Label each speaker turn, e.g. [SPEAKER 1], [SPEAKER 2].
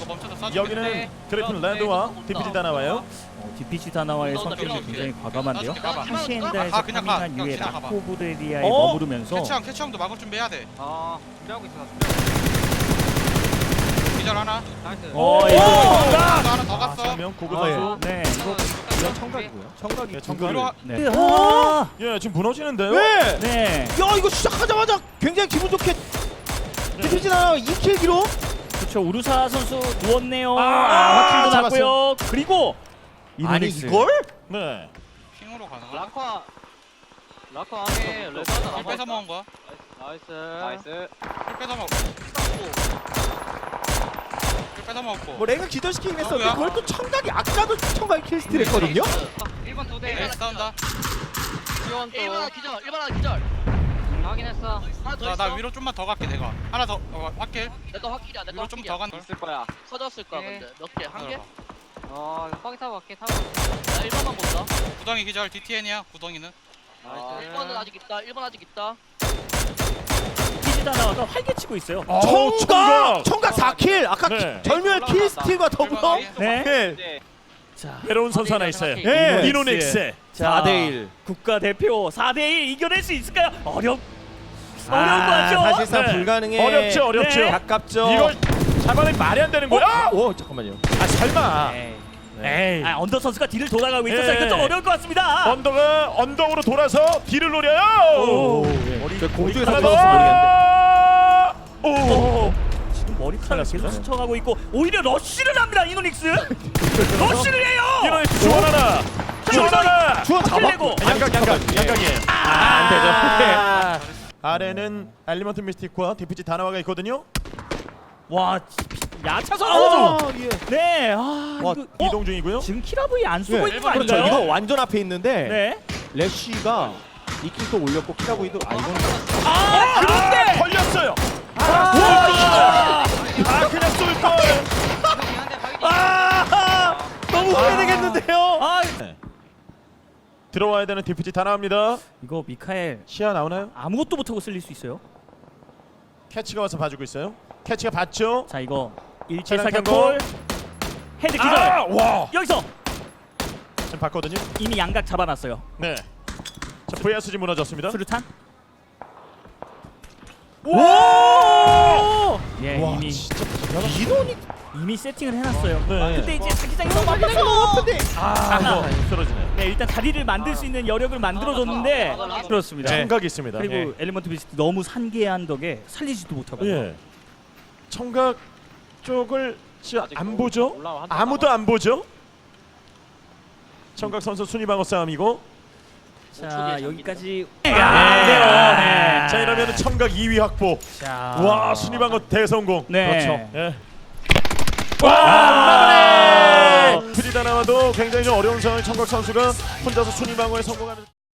[SPEAKER 1] 멈춰서 쏴.
[SPEAKER 2] 여기는 그래핀 랜드와 DPG 다 나와요.
[SPEAKER 3] DPG 다나와의 성격이 굉장히 과감한데요. 하시엔다에서
[SPEAKER 1] 그냥
[SPEAKER 3] 파밍한
[SPEAKER 1] 가.
[SPEAKER 3] 이후에
[SPEAKER 1] 그냥 가봐.
[SPEAKER 3] 라코브레리아에
[SPEAKER 2] 어?
[SPEAKER 3] 머무르면서
[SPEAKER 1] 캐치형도 막을 준비해야 돼.
[SPEAKER 4] 준비하고 있어.
[SPEAKER 1] 기절 하나.
[SPEAKER 4] 나이스.
[SPEAKER 3] 이거
[SPEAKER 1] 또 하나 더 갔어.
[SPEAKER 2] 정명 고급 선수.
[SPEAKER 3] 네,
[SPEAKER 4] 이거
[SPEAKER 5] 청각이고요. 청각이
[SPEAKER 2] 예, 청각.
[SPEAKER 1] 위로
[SPEAKER 3] 네. 아,
[SPEAKER 2] 예, 지금 무너지는데요.
[SPEAKER 5] 네.
[SPEAKER 3] 네.
[SPEAKER 5] 야 이거 시작하자마자 굉장히 기분 좋게 디피지 나와 2킬 기록.
[SPEAKER 3] 그렇죠. 우루사 선수 누웠네요.
[SPEAKER 2] 아,
[SPEAKER 3] 화킬도 났고요. 그리고
[SPEAKER 5] 아니
[SPEAKER 3] 이노닉스.
[SPEAKER 5] 이걸?
[SPEAKER 2] 네.
[SPEAKER 1] 핑으로 가는 거.
[SPEAKER 4] 라커 안에 레드 하나
[SPEAKER 1] 킬 뺏어 먹은 거.
[SPEAKER 4] 나이스.
[SPEAKER 1] 킬 뺏어 먹고. 킬 뺏어 먹고.
[SPEAKER 5] 뭐 레가 기절시키긴 했었는데
[SPEAKER 1] 누구야?
[SPEAKER 5] 그걸 또 청각이 아까도 청각이 킬스틸 했거든요.
[SPEAKER 4] 1번 두 대.
[SPEAKER 1] 네, 싸운다.
[SPEAKER 4] 지원 또.
[SPEAKER 6] 1번 하나 기절, 1번 하나 기절.
[SPEAKER 4] 확인했어.
[SPEAKER 6] 하나 더
[SPEAKER 1] 나
[SPEAKER 6] 있어.
[SPEAKER 1] 위로 좀만 더 갈게 내가. 하나 더. 확킬.
[SPEAKER 6] 내거 확킬이야, 내거
[SPEAKER 1] 위로 좀 더
[SPEAKER 6] 확킬이야.
[SPEAKER 1] 간.
[SPEAKER 4] 있을 거야.
[SPEAKER 6] 터졌을 거야,
[SPEAKER 4] 오케이.
[SPEAKER 6] 근데. 몇 개? 한 개?
[SPEAKER 4] 거기 타고 갈게. 타고.
[SPEAKER 6] 나 1번만 본다.
[SPEAKER 1] 구덩이 기절 DTN이야. 구덩이는.
[SPEAKER 4] 나이스.
[SPEAKER 6] 1번은 아직 있다, 1번 아직 있다.
[SPEAKER 3] DPG 다나와가 활개치고 있어요.
[SPEAKER 5] 청각 4킬. 아까
[SPEAKER 2] 네.
[SPEAKER 5] 절묘한 킬스틸과 더불어.
[SPEAKER 3] 네.
[SPEAKER 5] 네.
[SPEAKER 3] 자,
[SPEAKER 2] 외로운 선수 하나 있어요.
[SPEAKER 5] 예.
[SPEAKER 2] 이노닉스.
[SPEAKER 3] 자,
[SPEAKER 5] 4대1.
[SPEAKER 3] 국가대표 4대1 이겨낼 수 있을까요? 어려운 거 같죠?
[SPEAKER 5] 사실상
[SPEAKER 2] 네.
[SPEAKER 5] 불가능해.
[SPEAKER 2] 어렵죠.
[SPEAKER 3] 네.
[SPEAKER 5] 가깝죠.
[SPEAKER 2] 이걸 잡아내기 말이 안 되는 거야.
[SPEAKER 5] 오 잠깐만요.
[SPEAKER 2] 아, 설마.
[SPEAKER 3] 에이.
[SPEAKER 2] 에이.
[SPEAKER 3] 언더 선수가 뒤를 돌아가고 있어서
[SPEAKER 2] 예.
[SPEAKER 3] 이거 좀 어려울 것 같습니다.
[SPEAKER 2] 언덕으로 돌아서 뒤를 노려요.
[SPEAKER 5] 저 공중에서
[SPEAKER 2] 하나
[SPEAKER 5] 들어서 모르겠는데.
[SPEAKER 2] 더. 오.
[SPEAKER 3] 지금 머리카락을 계속
[SPEAKER 2] 잘랐습니다.
[SPEAKER 3] 스쳐가고 있고 오히려 러쉬를 합니다. 이노닉스. 러쉬를 해요.
[SPEAKER 2] 이노닉스 주원하나. 주원하나.
[SPEAKER 5] 주원
[SPEAKER 3] 내고.
[SPEAKER 5] 잡았고.
[SPEAKER 2] 양각이에요. 안 되죠. 아래는 엘리먼트 미스틱과 DPG 다나와가 있거든요.
[SPEAKER 3] 와, 야차 선수.
[SPEAKER 5] 아, 예.
[SPEAKER 3] 네.
[SPEAKER 5] 와,
[SPEAKER 3] 이거,
[SPEAKER 2] 이동 중이고요.
[SPEAKER 3] 지금 키라브이 안 쓰고
[SPEAKER 5] 네.
[SPEAKER 3] 있는 거
[SPEAKER 5] 그렇죠.
[SPEAKER 3] 아닌가요?
[SPEAKER 5] 이거 완전 앞에 있는데
[SPEAKER 3] 네.
[SPEAKER 5] 래쉬가 2킬도 올렸고 키라브이도 이거는
[SPEAKER 3] 그런데
[SPEAKER 2] 걸렸어요. 그냥 쏠 걸.
[SPEAKER 5] 너무 후회되겠는데요.
[SPEAKER 2] 들어와야 되는 DPG 다 나옵니다.
[SPEAKER 3] 이거 미카엘
[SPEAKER 2] 시야 나오나요?
[SPEAKER 3] 아무것도 못하고 쓸릴 수 있어요.
[SPEAKER 2] 캐치가 와서 봐주고 있어요. 캐치가 봤죠.
[SPEAKER 3] 자, 이거 일체
[SPEAKER 2] 차량
[SPEAKER 3] 사격골 헤드 기절.
[SPEAKER 2] 와.
[SPEAKER 3] 여기서
[SPEAKER 2] 지금 봤거든요.
[SPEAKER 3] 이미 양각 잡아놨어요.
[SPEAKER 2] 네. 자, VSG 무너졌습니다.
[SPEAKER 3] 수류탄.
[SPEAKER 2] 오!
[SPEAKER 3] 예,
[SPEAKER 5] 와,
[SPEAKER 3] 이미
[SPEAKER 5] 진짜 인원이
[SPEAKER 3] 이미 세팅을 해놨어요.
[SPEAKER 2] 네.
[SPEAKER 3] 근데 이제 자기장이 너무 많아서
[SPEAKER 2] 이거 쓰러지네요.
[SPEAKER 3] 네, 일단 자리를 만들 수 있는 여력을 만들어줬는데 그렇습니다.
[SPEAKER 2] 청각이 있습니다.
[SPEAKER 3] 그리고
[SPEAKER 2] 예.
[SPEAKER 3] 엘리먼트 비스트 너무 산계한 덕에 살리지도 못하고.
[SPEAKER 2] 예. 청각 쪽을 진짜 안 보죠?
[SPEAKER 4] 올라와, 한
[SPEAKER 2] 아무도 안 보죠? 청각 선수 순위 방어 싸움이고.
[SPEAKER 3] 자, 여기까지.
[SPEAKER 2] 네. 자, 이러면 청각 2위 확보.
[SPEAKER 3] 자,
[SPEAKER 2] 와, 순위 방어 대성공.
[SPEAKER 3] 네.
[SPEAKER 2] 그렇죠. 예. 와! 프리다나와도 굉장히 좀 어려운 상황 청각 선수가 혼자서 순위 방어에 성공하는.